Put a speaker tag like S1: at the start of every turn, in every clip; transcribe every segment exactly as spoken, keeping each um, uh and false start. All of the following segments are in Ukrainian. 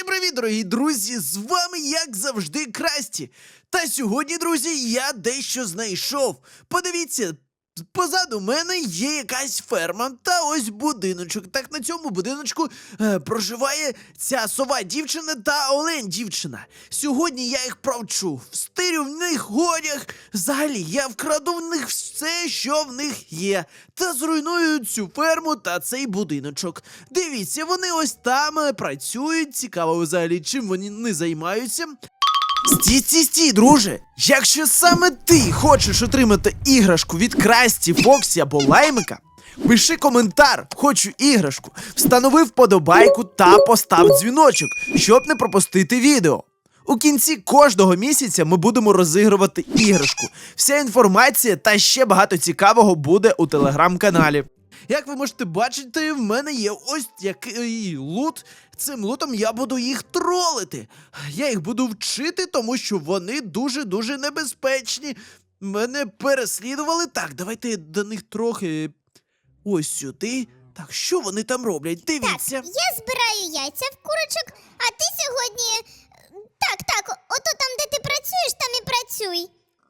S1: Усім привіт, дорогі друзі! З вами, як завжди, Красті. Та сьогодні, друзі, я дещо знайшов. Подивіться, позаду мене є якась ферма та ось будиночок. Так на цьому будиночку е, проживає ця сова дівчина та олень дівчина. Сьогодні я їх провчу, встирю в них одяг. Взагалі, я вкраду в них все, що в них є. Та зруйную цю ферму та цей будиночок. Дивіться, вони ось там е, працюють. Цікаво взагалі, чим вони не займаються. Стій, стій, стій, друже! Якщо саме ти хочеш отримати іграшку від Красті, Фоксі або Лаймика, пиши коментар «Хочу іграшку», встанови вподобайку та постав дзвіночок, щоб не пропустити відео. У кінці кожного місяця ми будемо розігрувати іграшку. Вся інформація та ще багато цікавого буде у телеграм-каналі. Як ви можете бачити, в мене є ось який лут. Цим лутом я буду їх тролити. Я їх буду вчити, тому що вони дуже-дуже небезпечні. Мене переслідували. Так, давайте до них трохи ось сюди. Так, що вони там роблять? Дивіться.
S2: Так, я збираю яйця в курочок, а ти сьогодні... Так, так, ото там, де ти працюєш, там і працюй.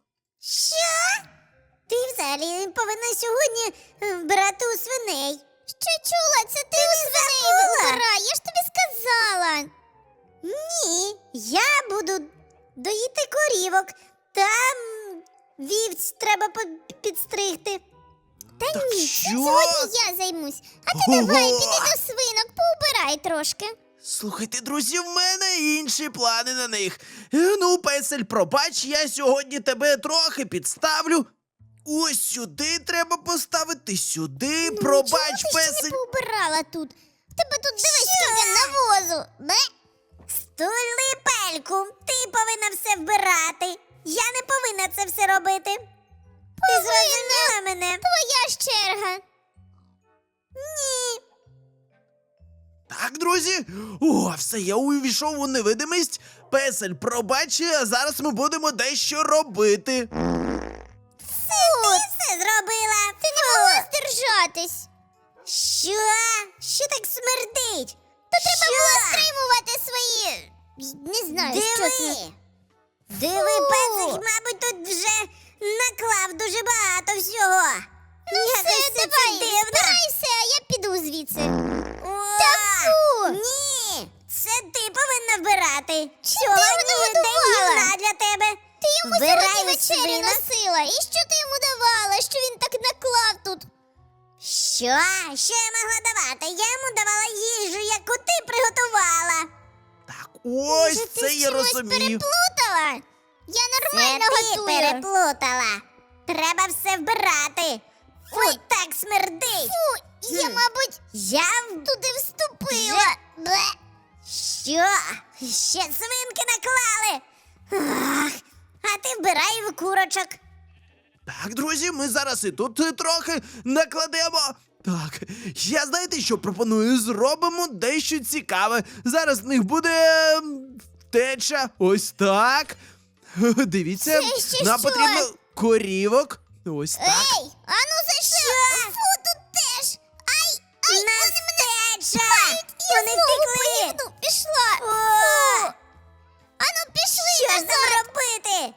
S2: Що? Ти взагалі повинна сьогодні е, вбирати у свиней. Що чула? Це ти, ти у свиней вбирай, я ж тобі сказала. Ні, я буду доїти корівок. Там вівць треба по- підстригти. Та
S1: Так
S2: ні,
S1: що?
S2: сьогодні я займусь. А ти
S1: Ого!
S2: давай, піди до свинок, поубирай трошки.
S1: Слухайте, друзі, в мене інші плани на них. Е, Ну, песель, пробач, я сьогодні тебе трохи підставлю. Ось сюди треба поставити, сюди,
S2: Ну,
S1: пробач,
S2: чому ти
S1: песель.
S2: ще не поубирала тут? В тебе тут дивись, скільки навозу. Бе? Стули пельку, ти повинна все вбирати. Я не повинна це все робити. Ти зрозуміла мене? Твоя ж черга. Ні.
S1: Так, друзі, о, все, я увійшов у невидимість. Песель, пробач, а зараз ми будемо дещо робити.
S2: Фу, ти все зробила. Ти не могла здержатись. Що? Що так смердить? То треба було стримувати свої... Не знаю,
S3: Диви.
S2: що це.
S3: Диви,
S2: Фу.
S3: песик, мабуть, тут вже наклав дуже багато всього.
S2: Ну
S3: Якось
S2: все,
S3: це
S2: давай,
S3: дивно.
S2: збирайся, а я піду звідси.
S3: О,
S2: Та фу!
S3: Ні, це ти повинна вбирати.
S2: Чи
S3: Сьогодні
S2: ти його
S3: день
S2: годувала?
S3: гімна для тебе.
S2: Ти йому
S3: Вбирай
S2: сьогодні
S3: у
S2: вечерю
S3: свинок.
S2: носила. І що ти йому давала, що він так наклав тут?
S3: Що? Що я могла давати? Я йому давала їжу, яку ти приготувала.
S1: Так, ось
S2: Може, ти
S1: це
S2: з
S1: я
S2: чимось
S1: розумію.
S2: переплутала? Я
S3: Це
S2: нормально
S3: ти
S2: готую.
S3: переплутала. Треба все вбирати. Фу,
S2: Ой.
S3: так смердить.
S2: Фу, я,
S3: Хм.
S2: мабуть,
S3: Я в-
S2: туди вступила. Бле.
S3: Що? Ще свинки наклали? Ах, а ти вбирай в курочок.
S1: Так, друзі, ми зараз і тут е, трохи накладемо. Так, я знаєте, що пропоную? Зробимо дещо цікаве. Зараз в них буде ем, втеча. Ось так. Дивіться,
S2: Це ще
S1: нам
S2: що?
S1: потрібно корівок. Ось так.
S2: Ей, а ну за що? Фу, тут теж. Ай, ай,
S3: Нас
S2: вони мене
S3: втеча.
S2: чіпають. Я
S3: Вони
S2: знову
S3: втекли.
S2: поїду. Пішла.
S3: О,
S2: Фу. А ну пішли
S3: що ж
S2: назад.
S3: нам робити?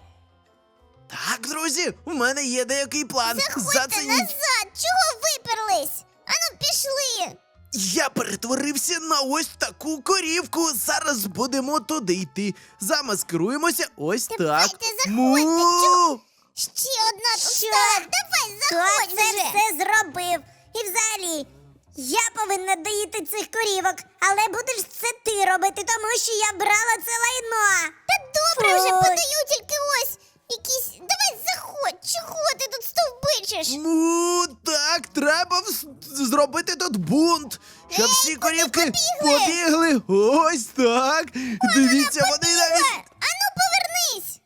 S1: Так, друзі, у мене є деякий план.
S2: Заходьте
S1: Зацініть.
S2: назад. Чого виперлись? А ну пішли.
S1: Я перетворився на ось таку корівку. Зараз будемо туди йти. Замаскируємося. Ось так.
S2: Давайте, заходьте.
S1: Му!
S2: Чого? Ще одна тут
S3: Що?
S2: стала. Давай,
S3: Хто
S2: заходь
S3: це
S2: вже.
S3: все зробив? І взагалі, я повинна доїти цих корівок, але будеш це ти робити, тому що я брала це лайно.
S2: Та добре
S3: Фу.
S2: вже подаю, тільки ось якісь... Давай заходь, чого ти тут стовбичиш?
S1: Ну, так, треба вс- зробити тут бунт, щоб
S2: Ей,
S1: всі
S2: куди
S1: корівки
S2: побігли?
S1: побігли. Ось так. Дивіться, вони навіть.
S2: А ну повернись!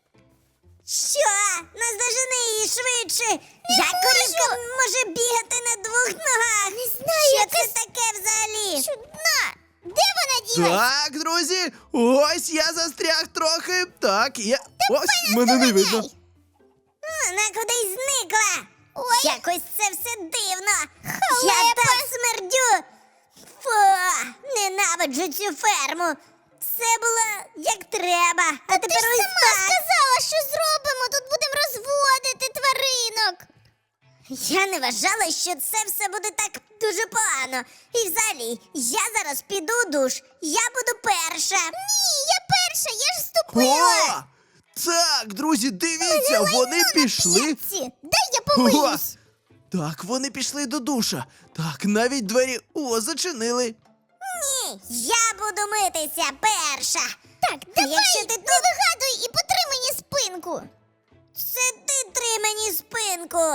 S3: Що? Наздожени її швидше. Як корівка може бігати на двох ногах?
S2: Не знаю,
S3: Що
S2: якась
S3: це таке взагалі?
S2: чудна. Де вона ділась?
S1: Так, друзі, ось я застряг трохи. Так, я. Ось мене не видно.
S2: Доганяй.
S3: Вона кудись зникла.
S2: Ой.
S3: Якось це все дивно. Я
S2: Халепа.
S3: так смердю. Фу, ненавиджу цю ферму. все було як треба. А
S2: Ти
S3: тепер
S2: ж
S3: ось
S2: сама
S3: так.
S2: сказала, що зробимо, тут будемо розводити тваринок.
S3: Я не вважала, що це все буде так дуже погано. І взагалі, я зараз піду у душ. Я буду перша.
S2: Ні, я перша, я ж вступила.
S1: О! Так, друзі, дивіться, вони пішли.
S2: Ці, дай я помиюсь.
S1: Так, вони пішли до душа. Так, навіть двері о, зачинили.
S3: Ні, я буду митися перша.
S2: Так, давай,
S3: Якщо ти
S2: не
S3: тут-
S2: вигадуй і потри мені спинку.
S3: Це ти три мені спинку.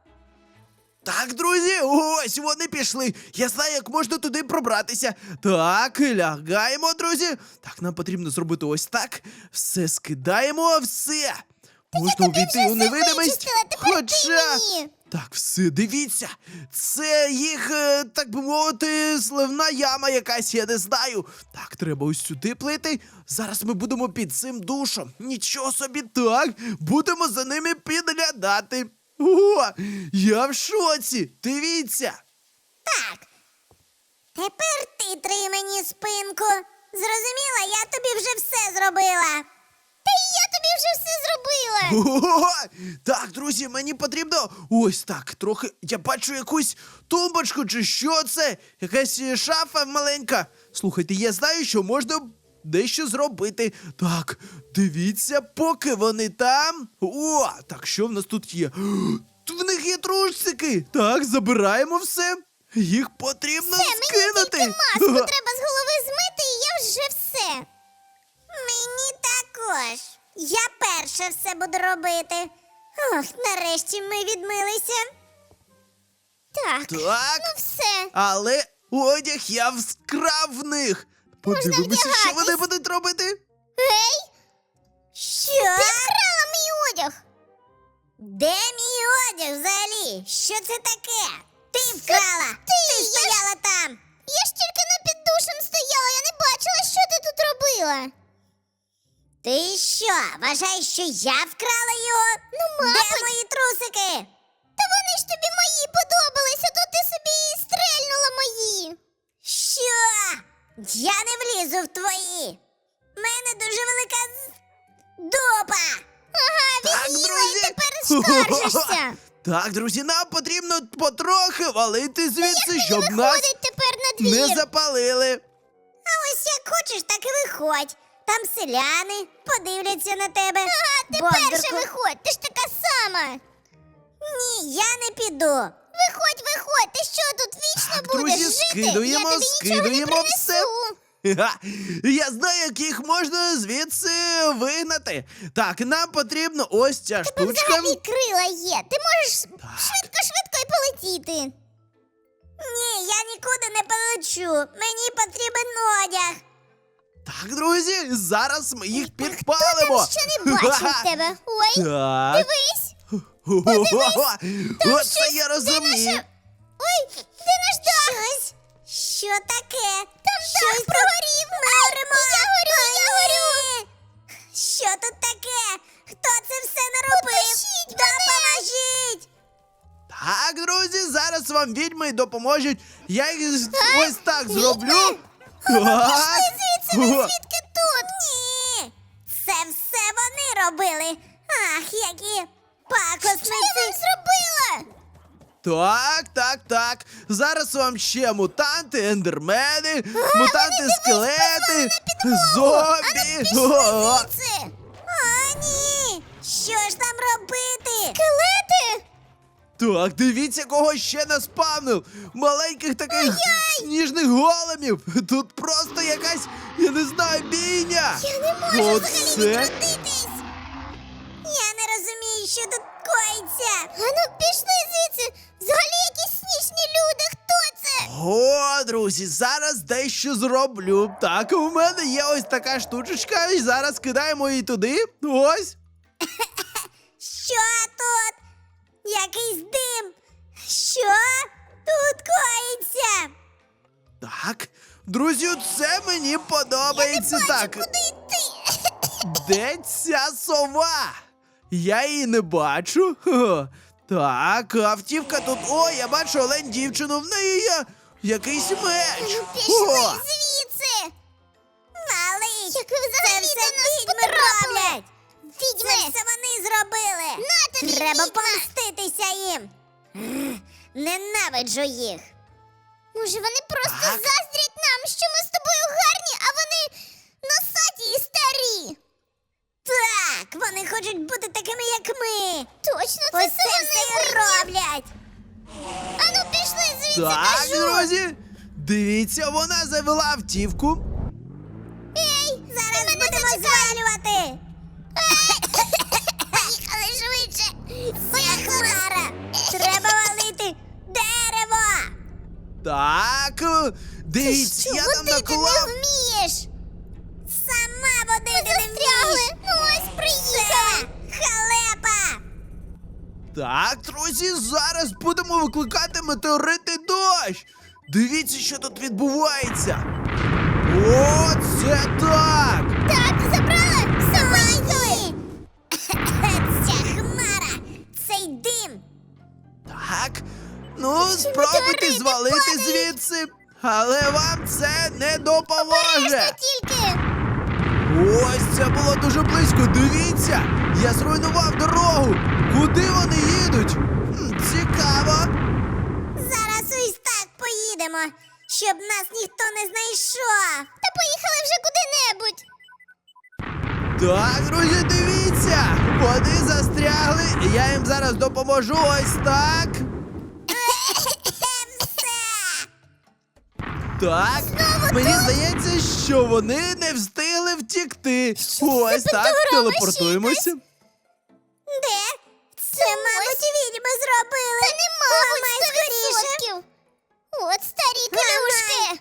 S1: Так, друзі, ось вони пішли. Я знаю, як можна туди пробратися. Так, лягаємо, друзі. Так, нам потрібно зробити ось так. Все скидаємо, все. Можна
S2: тобі
S1: увійти
S2: вже
S1: у
S2: все
S1: невидимість.
S2: вичистила, тепер ти мені.
S1: Так, все, дивіться. Це їх, е, так би мовити, сливна яма якась, я не знаю. Так, треба ось сюди плити. Зараз ми будемо під цим душом. Нічого собі, так. Будемо за ними підглядати. О, я в шоці. Дивіться.
S3: Так. Тепер ти три мені спинку. Зрозуміла, я тобі вже все зробила.
S2: Та і я тобі вже все зробила.
S1: О, так, друзі, мені потрібно ось так, трохи. Я бачу якусь тумбочку, чи що це? Якась е, шафа маленька. Слухайте, я знаю, що можна дещо зробити. Так, дивіться, поки вони там. О, так що в нас тут є? В них є трусики. Так, забираємо все. Їх потрібно
S2: Все, мені
S1: скинути.
S2: тільки маску треба з голови змити, і я вже все.
S3: Мені також. Я перша все буду робити. Ох, нарешті ми відмилися.
S2: Так,
S1: Так.
S2: ну все.
S1: Але одяг я вкрав в них. Подивимося, що
S2: вдягатись.
S1: вони будуть робити.
S2: Гей,
S3: Що?
S2: ти вкрала мій одяг.
S3: Де мій одяг взагалі? Що це таке? Ти вкрала!
S2: ти,
S3: Ти
S2: я ж-
S3: стояла там!
S2: Я ж тільки не під душем стояла, я не бачила, що ти тут робила.
S3: Ти що, вважаєш, що я вкрала його?
S2: Ну, мабуть.
S3: Де мої трусики?
S2: Та вони ж тобі мої подобалися, то ти собі і стрельнула мої.
S3: Що? Я не влізу в твої. В мене дуже велика з- дупа.
S2: Ага,
S1: Так,
S2: від'їла і
S1: друзі.
S2: тепер скаржишся.
S1: Так, друзі, нам потрібно потрохи валити звідси, щоб нас
S2: Виходить тепер на двір.
S1: не запалили.
S3: А ось як хочеш, так і виходь. Там селяни подивляться на тебе.
S2: Ага, ти
S3: Бондарку.
S2: перша виходь, ти ж така сама.
S3: Ні, я не піду.
S2: Виходь, виходь, ти що тут вічно
S1: Так,
S2: будеш
S1: друзі,
S2: жити?
S1: скидуємо,
S2: я тобі нічого
S1: скидуємо
S2: не
S1: все.
S2: принесу.
S1: Ха, я знаю, як їх можна звідси вигнати. Так, нам потрібно ось ця
S2: Тебе
S1: штучка.
S2: взагалі крила є. Ти можеш швидко-швидко і полетіти.
S3: Ні, я нікуди не полечу. Мені потрібен одяг.
S1: Так, друзі, зараз ми їх
S2: Хто
S1: підпалимо.
S2: там ще не бачив
S1: Ха-ха.
S2: тебе? Ой,
S1: Так.
S2: дивись.
S1: Оце
S2: щось-
S1: я
S2: де
S1: розумію.
S2: наша- Ой, де наш дах?
S3: Щось? Що таке?
S2: Там
S3: Щось
S2: дах прогорів.
S3: Ми горимо.
S2: Я горю,
S3: Ой,
S2: я горю.
S3: ні. Що тут таке? Хто це все наробив?
S2: Потушіть мене.
S3: Допоможіть!
S1: Так, друзі, зараз вам відьми допоможуть. Я їх ось так зроблю. Так.
S2: Звідси, ви звідки тут?
S3: Ні! Це все вони робили. Ах, які
S2: Що я
S3: пакосниці!
S2: вам зробила?
S1: Так, так, так. Зараз вам ще мутанти, ендермени, мутанти, скелети, зомбі. О,
S2: Звідси.
S3: О, ні! Що ж нам робити?
S2: Скелети?
S1: Так, дивіться, кого ще наспавнив. Маленьких таких сніжних големів. Тут просто якась, я не знаю, бійня.
S2: Я не можу
S1: Оце.
S2: взагалі відродитись.
S3: Я не розумію, що тут коїться.
S2: А ну пішли звідси. Взагалі якісь сніжні люди. Хто це?
S1: О, друзі, зараз дещо зроблю. Так, у мене є ось така штучечка, і зараз кидаємо її туди. Ось.
S3: Що тут? Якийсь дим. Що тут коїться?
S1: Так, друзі, це мені подобається. Так,
S2: Куди йти?
S1: де ця сова? Я її не бачу. Хо. Так, автівка тут. О, я бачу олень дівчину, в неї є якийсь меч.
S2: Пішли
S1: О,
S2: звідси.
S3: Але
S2: Як ви
S3: Це
S2: взагалі
S3: все
S2: до нас
S3: відьми
S2: потрапили?
S3: роблять! Це
S2: Відьми!
S3: все вони зробили!
S2: На тобі,
S3: Треба
S2: відьма!
S3: помститися їм! Ех, Ненавиджу їх!
S2: Може, вони просто
S1: Так.
S2: заздрять нам, що ми з тобою гарні, а вони носаті і старі.
S3: Так, вони хочуть бути такими, як ми!
S2: Точно, це
S3: Ось
S2: все
S3: це
S2: вони
S3: все і
S2: винні.
S3: роблять!
S2: Ану, пішли звідси,
S1: Так,
S2: кажу.
S1: друзі, дивіться, вона завела автівку.
S2: Ей,
S3: Зараз
S2: ти мене
S3: будемо
S2: зачекай.
S3: звалювати!
S2: Поїхали швидше.
S3: Це хмара! Треба валити дерево!
S1: Так, е, дивіться,
S2: Що
S1: я там
S2: водити
S1: наклав.
S2: не вмієш?
S3: Сама водити не
S2: Застрягли.
S3: вмієш!
S2: Ну ось, приїхали.
S3: Це халепа!
S1: Так, друзі, зараз будемо викликати метеоритний дощ. Дивіться, що тут відбувається. О, це так!
S2: Так, забрали? Все, поїхали.
S3: Ця хмара! Цей дим!
S1: Так, ну спробуйте
S2: метеорити
S1: звалити
S2: падають.
S1: звідси, але вам це не
S2: Обережно
S1: допоможе.
S2: тільки.
S1: Ось це було дуже близько. Дивіться, я зруйнував дорогу. Куди вони їдуть? Хм, цікаво.
S3: Зараз ось так поїдемо, щоб нас ніхто не знайшов!
S2: Та поїхали вже куди-небудь.
S1: Так, друзі, дивіться! Вони застрягли, і я їм зараз допоможу ось так.
S3: Все!
S1: Так, мені здається, що вони не встигли втікти. Ось так,
S2: пентаграма
S1: телепортуємося.
S3: Де? Це, мабуть, відьми зробили!
S2: Та не мабуть,
S3: Ламай
S2: сто
S3: скоріше!
S2: відсотків. От старі клюшки.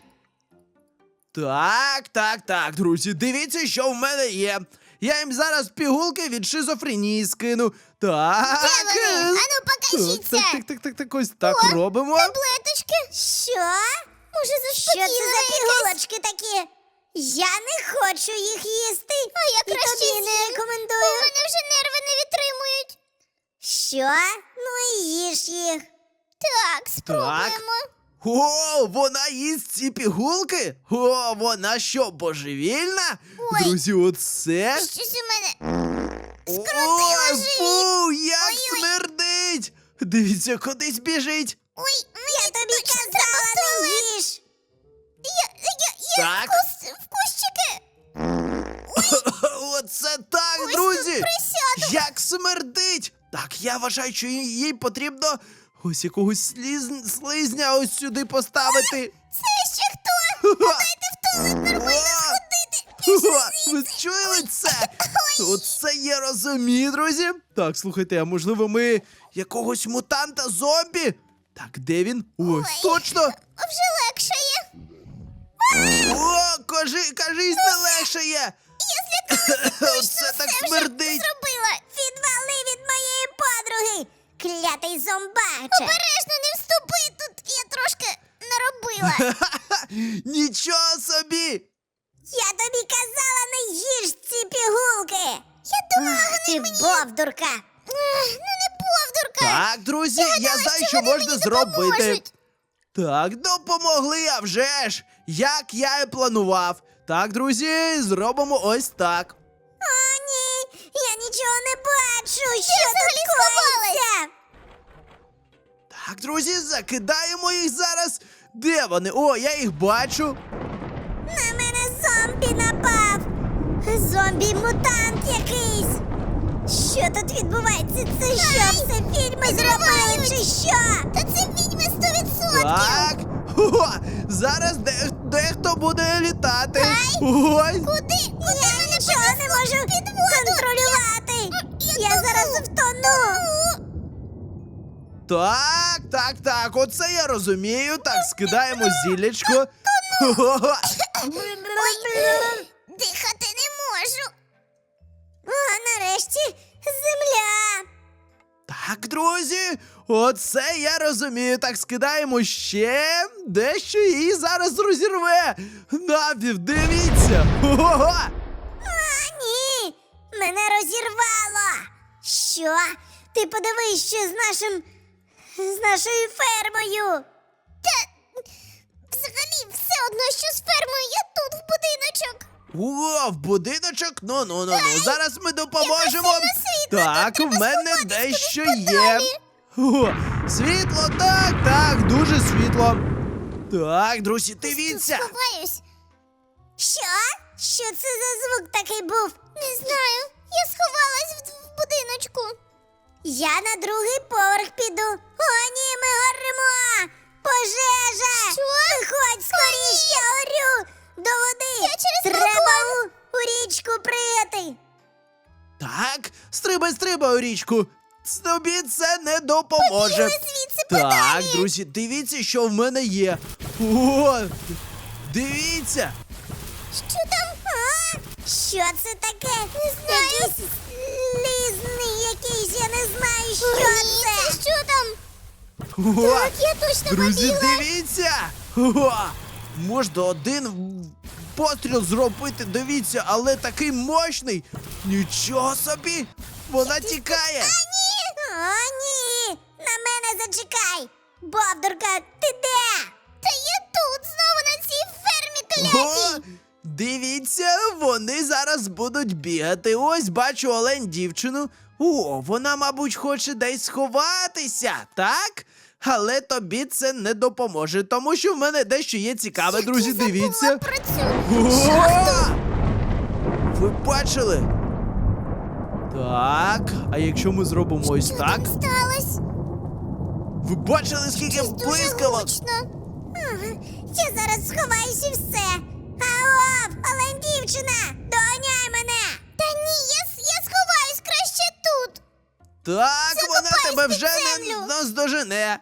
S1: Так, так, так, друзі, дивіться, що в мене є. Я їм зараз пігулки від шизофренії скину. Так.
S2: Де вони?
S1: е,
S2: Ану,
S1: Так,
S2: покажіться.
S1: так, так, так, так, так, ось так
S2: О,
S1: робимо.
S2: Таблеточки.
S3: Що?
S2: Може,
S3: Що
S2: заспокійливе
S3: це за
S2: якесь?
S3: пігулочки такі? Я не хочу їх їсти!
S2: А я
S3: І
S2: краще
S3: тобі не
S2: з'їм. У
S3: рекомендую!
S2: мене вже нерви не витримують.
S3: Що? Ну і їж їх!
S2: Так, спробуємо.
S1: О, вона їсть ці пігулки? О, вона що, божевільна?
S2: Ой.
S1: Друзі, оце.
S2: Щось у мене.
S1: Ой,
S2: живіт.
S1: фу, як
S2: Ой-ой.
S1: смердить! Дивіться, кудись біжить.
S2: Ой,
S3: Я тобі казала, не їж!
S2: я, я, я
S1: Так.
S2: вкус, вкусчики.
S1: Оце так,
S2: Ось
S1: друзі!
S2: тут присяду.
S1: Як смердить! Так, я вважаю, що їй їй потрібно ось якогось сліз... слизня ось сюди поставити.
S2: Це ще хто? Дайте в туалет нормально сходити.
S1: О, ви чули це? Оце я розумію, друзі. Так, слухайте, а можливо ми якогось мутанта зомбі? Так, де він? Ось,
S2: Ой.
S1: точно!
S2: Вже легшає.
S1: О, кажи, кажись, не легше є!
S2: Я злякалася.
S1: Оце так
S2: Все вже
S1: смердить!
S2: зробила.
S3: Відвали від моєї подруги! Клятий зомбаче!
S2: Обережно не вступи тут. Я трошки наробила.
S1: Нічого собі!
S3: Я тобі казала, не їж ці пігулки!
S2: Я думала,
S3: Ах, ти бовдурка!
S2: Ех, ну не повдурка.
S1: Так, друзі, я,
S2: гадала,
S1: знаю,
S2: що
S1: що
S2: вони
S1: можна
S2: мені
S1: зробити.
S2: допоможуть.
S1: Так, допомогли, а вже ж! Як я і планував. Так, друзі, зробимо ось так.
S3: О, ні! Я нічого не бачу! Що
S2: взагалі
S3: тут коїться?
S1: Так, друзі, закидаємо їх зараз. Де вони? О, я їх бачу.
S3: На мене зомбі напав! Зомбі-мутант якийсь! Що тут відбувається? Це що? Все відьми зробили чи що?
S2: Та це відьми сто відсотків.
S1: Так. О, зараз де, дехто буде літати. Ось.
S2: Куди? Куди
S3: Я
S2: мене
S3: нічого не можу контролювати! Я зараз втону!
S1: Так, так, так, оце я розумію. Так, скидаємо зіллячко. О,
S2: Дихати не можу.
S3: О, нарешті земля!
S1: Так, друзі, оце я розумію. Так, скидаємо ще дещо і зараз розірве. Навів, дивіться. Ого!
S3: А, ні! Мене розірвало! Що? Ти подивись, що з нашим. з нашою фермою!
S2: Та взагалі все одно, що з фермою. Я тут в будиночок.
S1: О, в будиночок? Ну, ну, ну, ну. Зараз ми допоможемо. Так, в мене дещо є. О, світло, так, так, дуже світло. Так, друзі, дивіться.
S2: Сховаюсь.
S3: Що? Що це за звук такий був?
S2: Не знаю. Я сховалась в, в будиночку.
S3: Я на другий поверх піду. О, ні, ми горимо! Пожежа!
S2: Що?
S3: Виходь скоріш, я горю! До води!
S2: Я через
S3: Треба у, у річку пригати!
S1: Так, стрибай, стрибай у річку. Тобі це не допоможе.
S2: Побігли звідси
S1: Так,
S2: подалі.
S1: друзі, дивіться, що в мене є. О, дивіться.
S2: Що там?
S3: А? Що це таке? Не
S2: знаю.
S3: Якийсь лізний якийсь, я не знаю, що
S2: Ні,
S3: це!
S2: це що там?
S1: О,
S2: Так, я точно
S1: друзі,
S2: побігла.
S1: дивіться. О, можна один постріл зробити, дивіться, але такий мощний. Нічого собі. Вона тікає.
S3: О, ні! На мене зачекай! Бовдурка, ти де?
S2: Та я тут, знову на цій фермі
S1: О,
S2: клятій.
S1: дивіться, вони зараз будуть бігати. Ось бачу олень дівчину. О, вона, мабуть, хоче десь сховатися, так? Але тобі це не допоможе, тому що в мене дещо є цікаве, друзі,
S2: Я забула
S1: дивіться.
S2: про цю
S1: О!
S2: шахту.
S1: Ви бачили? Так, а якщо ми зробимо ось
S2: Що
S1: так?
S2: там сталося?
S1: Ви бачили, скільки
S2: Щось дуже
S1: блискавок?
S2: гучно.
S3: Ага, я зараз сховаюсь і все. Аоп, олень дівчина, доганяй мене!
S2: Та ні, я, с- я сховаюсь краще тут.
S1: Так, вона
S2: Закопаюсь
S1: тебе
S2: під
S1: вже не
S2: землю.
S1: наздожене.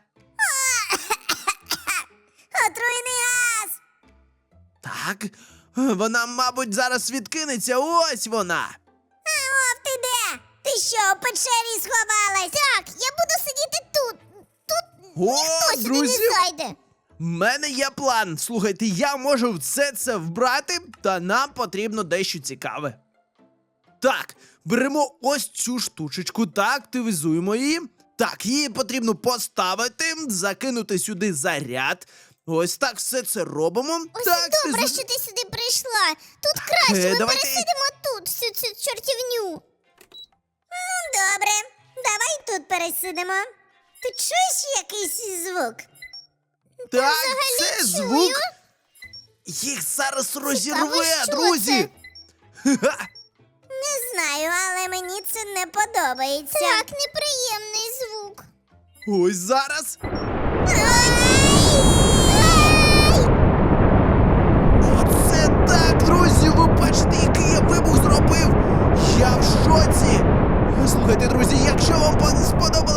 S3: Отруйний газ!
S1: Так, вона, мабуть, зараз відкинеться. Ось вона.
S3: Аоп, ти де? Ти що, у печері сховалась?
S2: Так, я буду сидіти тут. Тут
S1: О,
S2: ніхто сюди
S1: друзі.
S2: не зайде.
S1: В мене є план. Слухайте, я можу все це вбрати, та нам потрібно дещо цікаве. Так, беремо ось цю штучечку та активізуємо її. Так, її потрібно поставити, закинути сюди заряд. Ось так все це робимо.
S2: Ось
S1: так,
S2: і добре,
S1: ти з-
S2: що ти сюди прийшла. Тут краще,
S1: е,
S2: ми
S1: давайте-
S2: пересидимо тут всю цю чортівню.
S3: Ну, добре, давай тут пересидимо. Ти чуєш якийсь звук?
S1: Так,
S2: взагалі
S1: це
S2: чую.
S1: звук. Їх зараз розірве,
S2: що
S1: друзі. Ха-ха.
S3: Не знаю, але мені це не подобається.
S2: Так, неприємний звук.
S1: Ось зараз. Оце так, друзі, ви бачите, який я вибух зробив. Я в шоці. Слухайте, друзі, якщо вам сподобалося